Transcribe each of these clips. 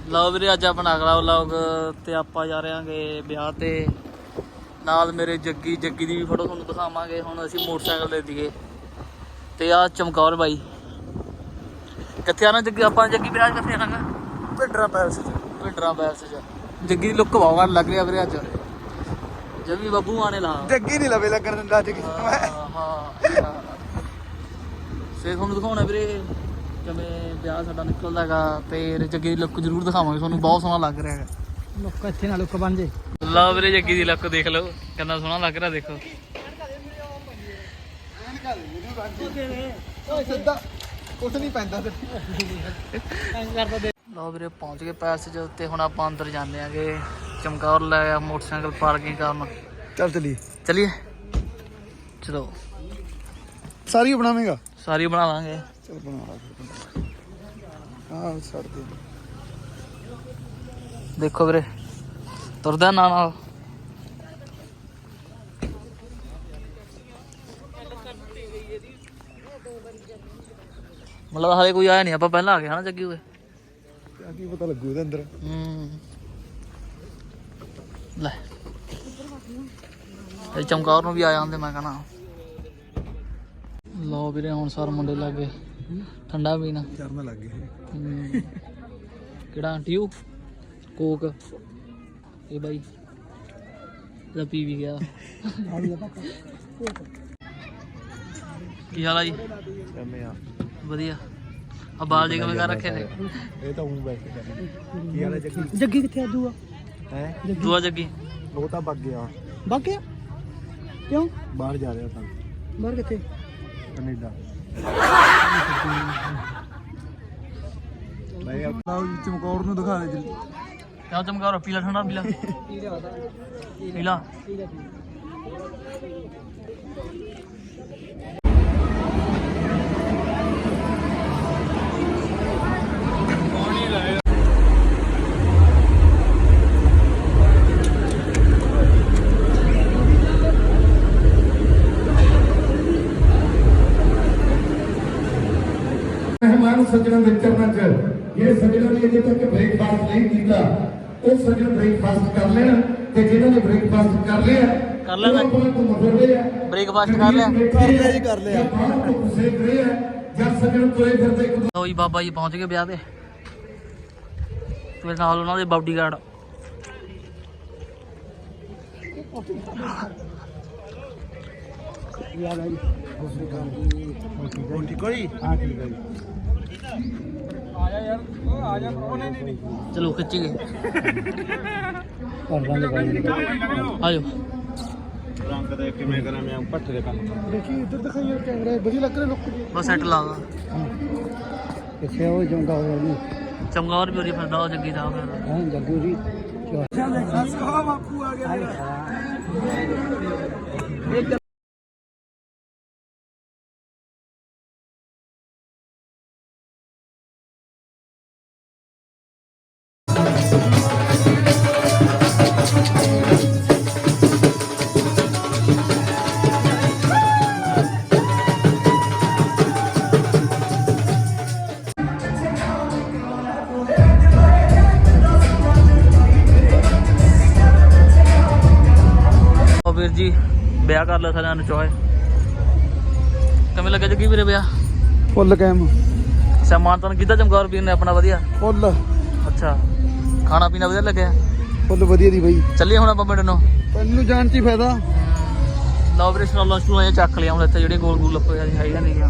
ਲਓ ਵੀਰੇ ਅੱਜ ਆਪਣਾ ਅਗਲਾ ਵਲੌਗ ਤੇ ਆਪਾਂ ਜਾ ਰਹੇ ਹਾਂਗੇ ਵਿਆਹ ਤੇ ਨਾਲ ਮੇਰੇ ਜੱਗੀ ਦੀ ਵੀ ਫੋਟੋ ਤੁਹਾਨੂੰ ਦਿਖਾਵਾਂਗੇ। ਹੁਣ ਅਸੀਂ ਮੋਟਰਸਾਈਕਲ ਦੇ ਦੀਏ ਤੇ ਆ ਚਮਕੌਰ ਬਾਈ ਕਿੱਥੇ ਆਣਾ ਜੱਗੀ ਆਪਾਂ ਜੱਗੀ ਵਿਆਹ ਕਿੱਥੇ ਆਣਾਗਾ ਭਿੰਡਰਾਂ ਪੈਲਸ ਚ ਜੱਗੀ ਦੀ ਲੁੱਕ ਬਹੁਤ ਲੱਗ ਰਿਹਾ ਵੀਰੇ ਅੱਜ ਜੱਗੀ ਬੱਬੂ ਆਣੇ ਲਾ ਜੱਗੀ ਨਹੀਂ ਲਵੇ ਲੱਗਣ ਦਿੰਦਾ ਅੱਜ ਹਾਂ ਸੇ ਤੁਹਾਨੂੰ ਦਿਖਾਉਣਾ ਵੀਰੇ ਕਿਵੇਂ ਵਿਆਹ ਸਾਡਾ ਨਿਕਲਦਾ ਹੈਗਾ ਤੇ ਜੱਗੀ ਦੀ ਲੁੱਕ ਜ਼ਰੂਰ ਦਿਖਾਵਾਂਗੇ ਤੁਹਾਨੂੰ ਬਹੁਤ ਸੋਹਣਾ ਲੱਗ ਰਿਹਾ ਹੈਗਾ ਲੁੱਕ ਇੱਥੇ ਨਾ ਲੁੱਕ ਬਣ ਜੇ ਲਓ ਵੀਰੇ ਜੱਗੀ ਦੀ ਲੁੱਕ ਦੇਖ ਲਓ ਕਿੰਨਾ ਸੋਹਣਾ ਲੱਗ ਰਿਹਾ ਦੇਖੋ ਸਿੱਧਾ ਕੁਛ ਨਹੀਂ ਪੈਂਦਾ ਲਓ ਵੀਰੇ ਪਹੁੰਚ ਗਏ ਪੈਲਸ 'ਚ ਤੇ ਹੁਣ ਆਪਾਂ ਅੰਦਰ ਜਾਂਦੇ ਆਂਗੇ ਚਮਕੌਰ ਲੈ ਆ ਮੋਟਰਸਾਈਕਲ ਪਾਰਕਿੰਗ ਕਰਨ ਚੱਲ ਚਲੀਏ ਚਲੋ ਸਾਰੀ ਬਣਾਵੇਂਗਾ ਸਾਰੀ ਬਣਾ ਲਾਂਗੇ ਚਲ ਬਣਾ ਲਾ ਹਾਂ ਛੱਡ ਦੇ ਦੇਖੋ ਵੀਰੇ ਤੁਰਦਾ ਨਾਲ ਮਤਲਬ ਹਾਲੇ ਕੋਈ ਆਇਆ ਨਹੀਂ ਆਪਾਂ ਪਹਿਲਾਂ ਆ ਗਏ ਹਨਾ ਜੱਗੀ ਹੋਏ ਕੀ ਪਤਾ ਲੱਗੂ ਇਹਦੇ ਅੰਦਰ ਲੈ ਇਹ ਚਮਕੌਰ ਨੂੰ ਵੀ ਆ ਜਾਂਦੇ ਮੈਂ ਕਹਣਾ ਲਓ ਵੀਰੇ ਹੁਣ ਸਾਰ ਮੁੰਡੇ ਲੱਗੇ ਠੰਡਾ ਪੀਣਾ ਚਰਨ ਲੱਗ ਗਏ ਕਿਹੜਾ ਟਿਊ ਕੋਕ ਇਹ ਬਾਈ ਇਹਦਾ ਪੀ ਵੀ ਗਿਆ ਕੀ ਹਾਲ ਆ ਜੀ ਵਧੀਆ ਆ ਬਾਲ ਜੀ ਕਿਵੇਂ ਕਰ ਰੱਖੇ ਨੇ ਇਹ ਤਾਂ ਉਹ ਬੈਠ ਕੇ ਕੀ ਹਾਲ ਹੈ ਜੱਗੀ ਕਿੱਥੇ ਆ ਦੂਆ ਹੈ ਦੂਆ ਜੱਗੀ ਉਹ ਤਾਂ ਵਗ ਗਿਆ ਕਿਉਂ ਬਾਹਰ ਜਾ ਰਿਹਾ ਤਾਂ ਬਾਹਰ ਕਿੱਥੇ ਕੈਨੇਡਾ ਮੈਂ ਆਪਣਾ ਚਮਕੌਰ ਨੂੰ ਦਿਖਾ ਦੇ ਕਿਉਂ ਚਮਕੌਰ ਪੀਲਾ ਠੰਡਾ ਪੀਲਾ ਮਹਿਮਾਨ ਸੱਜਣਾਂ ਦੇ ਚਰਨਾਂ 'ਚ ਜਿਹੜੇ ਸੱਜਣਾਂ ਨੇ ਅਜੇ ਤੱਕ ਬ੍ਰੇਕਫਾਸਟ ਨਹੀਂ ਕੀਤਾ ਉਹ ਸੱਜਣ ਬ੍ਰੇਕਫਾਸਟ ਕਰ ਲੈਣ ਤੇ ਜਿਨ੍ਹਾਂ ਨੇ ਬ੍ਰੇਕਫਾਸਟ ਕਰ ਲਿਆ ਬ੍ਰੇਕਫਾਸਟ ਕਰ ਲਿਆ ਜਦ ਸੱਜਣ ਤੁਰੇ ਫਿਰਦੇ ਲਓ ਜੀ ਬਾਬਾ ਜੀ ਪਹੁੰਚ ਗਏ ਵਿਆਹ ਤੇ ਤੇ ਨਾਲ ਉਹਨਾਂ ਦੇ ਬਾਡੀਗਾਰਡ ਚਲੋ ਖਿੱਚੀ ਗਏ ਆਜੋ ਰੰਗ ਦੇ ਕਿਵੇਂ ਕਰਾਂ ਮੈਂ ਪੱਠੇ ਦੇ ਕੰਮ ਦੇਖੀ ਇੱਧਰ ਦਿਖਾਈ ਯਾਰ ਕੈਮਰਾ ਵਧੀਆ ਲੱਗ ਰਿਹਾ ਲੁੱਕ ਬਸ ਸੈੱਟ ਲਾ ਦਾ ਕਿੱਥੇ ਉਹ ਜੰਗਾ ਹੋਇਆ ਨਹੀਂ ਚਮਕੌਰ ਵੀ ਉਰੀ ਫਿਰਦਾ ਉਹ ਜੱਗੀ ਦਾ ਫਿਰਦਾ ਹਾਂ ਜੱਗੂ ਜੀ ਬਾਪੂ ਆ ਗਿਆ ਵੀਰ ਜੀ ਵਿਆਹ ਕਰ ਲਿਆ ਸਾਰਿਆਂ ਨੂੰ ਚੋਏ ਕਿਵੇਂ ਲੱਗਾ ਜੱਗੀ ਵੀਰੇ ਵਿਆਹ ਫੁੱਲ ਕੈਮ ਸਮਾਨ ਤਾਂ ਕੀਤਾ ਚਮਕੌਰ ਵੀਰ ਨੇ ਆਪਣਾ ਵਧੀਆ ਫੁੱਲ ਅੱਛਾ ਖਾਣਾ ਪੀਣਾ ਵਧੀਆ ਲੱਗਿਆ ਫੁੱਲ ਵਧੀਆ ਦੀ ਬਾਈ ਚੱਲੀਏ ਹੁਣ ਆਪਾਂ ਪਿੰਡ ਨੂੰ ਤੈਨੂੰ ਜਾਣ 'ਚ ਹੀ ਫਾਇਦਾ ਲਓ ਵੀਰੇ ਸਟਾਲਾਂ ਸਟੂਲਾਂ ਚੱਕ ਲਿਆ ਹੁਣ ਇੱਥੇ ਜਿਹੜੇ ਗੋਲ ਗੋਲ ਲੱਪੇ ਹੈਗੀਆਂ ਨੇਗੀਆਂ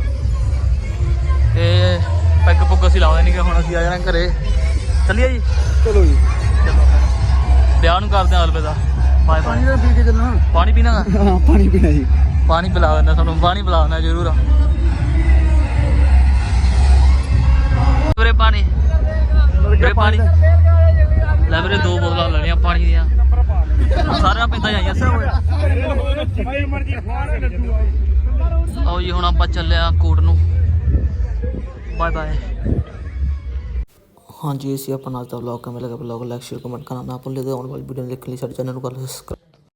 ਤੇ ਪੈਗ ਪੁੱਗ ਅਸੀਂ ਲਾਉਂਦੇ ਨਹੀਂ ਹੁਣ ਅਸੀਂ ਆ ਜਾਣਾ ਘਰੇ ਚੱਲੀਏ ਜੀ ਚਲੋ ਜੀ ਚਲੋ ਵਿਆਹ ਨੂੰ ਕਰਦੇ ਹਾਂ ਅਲਵਿਦਾ ਬਾਏ ਬਾਏ ਪਾਣੀ ਦਾ ਪੀ ਕੇ ਚੱਲਣਾ ਪਾਣੀ ਪੀਣਾ ਹਾਂ ਪਾਣੀ ਪੀਣਾ ਜੀ ਪਾਣੀ ਪਿਲਾ ਦਿੰਦਾ ਤੁਹਾਨੂੰ ਪਾਣੀ ਪਿਲਾ ਦਿੰਦਾ ਜ਼ਰੂਰ ਵੀਰੇ ਪਾਣੀ ਲੈ ਵੀਰੇ 2 ਬੋਤਲਾਂ ਲੈਣੀਆਂ ਪਾਣੀ ਦੀਆਂ ਸਾਰਿਆਂ ਪਿੰਡਾਂ ਜਾਈਆਂ ਆਓ ਜੀ ਹੁਣ ਆਪਾਂ ਚੱਲਿਆ ਕੋਟ ਨੂੰ ਬਾਏ ਬਾਏ ਹਾਂਜੀ ਇਹ ਸੀ ਆਪਣਾ ਅੱਜ ਦਾ ਵਲੌਗ ਕਿਵੇਂ ਲੱਗਾ ਵਲੌਗ ਲਾਈਕ ਸ਼ੇਅਰ ਕਮੈਂਟ ਕਰਨਾ ਨਾ ਭੁੱਲਿਓ ਤੇ ਆਉਣ ਵਾਲੀ ਵੀਡੀਓ ਦੇਖਣ ਲਈ ਸਾਡੇ ਚੈਨਲ ਨੂੰ ਕਰ ਲਓ ਸਬਸਕ੍ਰਾਈਬ